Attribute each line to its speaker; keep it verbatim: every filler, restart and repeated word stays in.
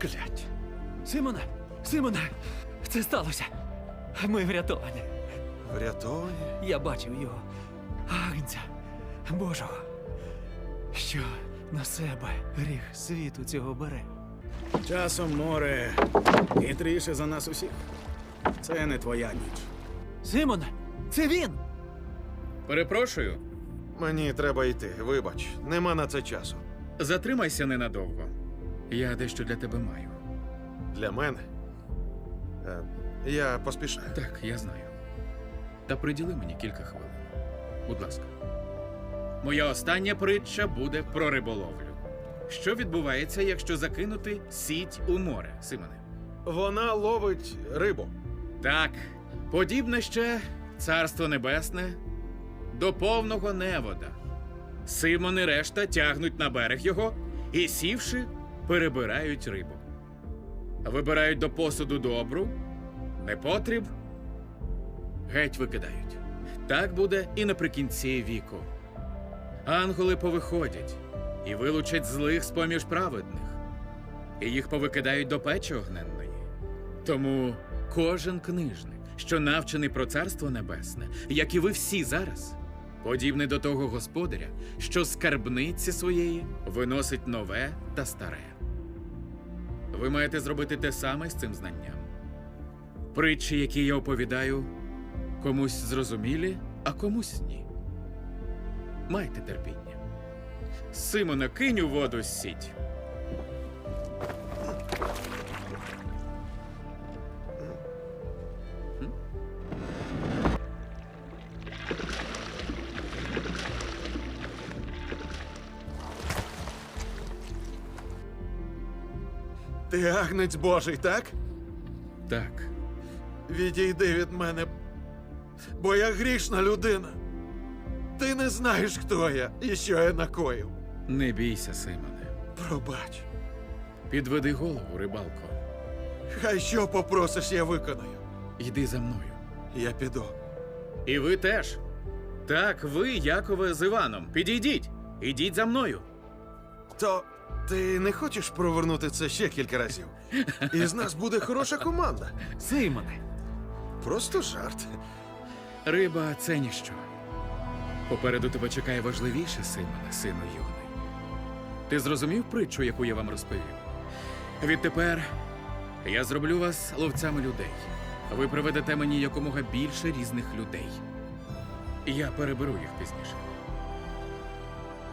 Speaker 1: Прокляття.
Speaker 2: Симоне! Симоне! Це сталося! Ми врятовані.
Speaker 1: Врятовані?
Speaker 2: Я бачив його. Агнця Божого, що на себе гріх світу цього бере.
Speaker 3: Часом море хитріше за нас усіх. Це не твоя ніч.
Speaker 2: Симоне! Це він!
Speaker 4: Перепрошую,
Speaker 1: Мені треба йти, вибач. Нема на це часу.
Speaker 4: затримайся ненадовго. Я дещо для тебе маю.
Speaker 1: Для мене. Е, я поспішаю.
Speaker 4: Так, я знаю. Та приділи мені кілька хвилин. Будь ласка. Моя остання притча буде про риболовлю. Що відбувається, якщо закинути сіть у море, Симоне?
Speaker 1: Вона ловить рибу.
Speaker 4: Так, подібне ще Царство Небесне до повного невода. Симон і решта тягнуть на берег його і, сівши, перебирають рибу. Вибирають до посуду добру, непотріб, геть викидають. Так буде і наприкінці віку. Ангели повиходять і вилучать злих з-поміж праведних, і їх повикидають до печі огненної. Тому кожен книжник, що навчений про Царство Небесне, як і ви всі зараз, подібний до того господаря, що з скарбниці своєї виносить нове та старе. Ви маєте зробити те саме з цим знанням. Притчі, які я оповідаю, комусь зрозумілі, а комусь ні. Майте терпіння. Симоне, кинь у воду сіть.
Speaker 1: Ти агнець Божий, так?
Speaker 4: Так,
Speaker 1: Відійди від мене, бо я грішна людина. Ти не знаєш, хто я і що я накоїв.
Speaker 4: не бійся, Симоне.
Speaker 1: Пробач.
Speaker 4: Підведи голову, рибалко.
Speaker 1: Хай що попросиш, я виконаю.
Speaker 4: Йди за мною.
Speaker 1: Я піду.
Speaker 4: І ви теж. Так, ви, Якове, з Іваном. Підійдіть. Ідіть за мною.
Speaker 1: То ти не хочеш провернути це ще кілька разів? Із нас буде хороша команда.
Speaker 2: Симоне!
Speaker 1: Просто жарт.
Speaker 4: Риба – це ніщо. Попереду тебе чекає важливіше, Симоне, сину юний. Ти зрозумів притчу, яку я вам розповів? Відтепер я зроблю вас ловцями людей. Ви приведете мені якомога більше різних людей. Я переберу їх пізніше.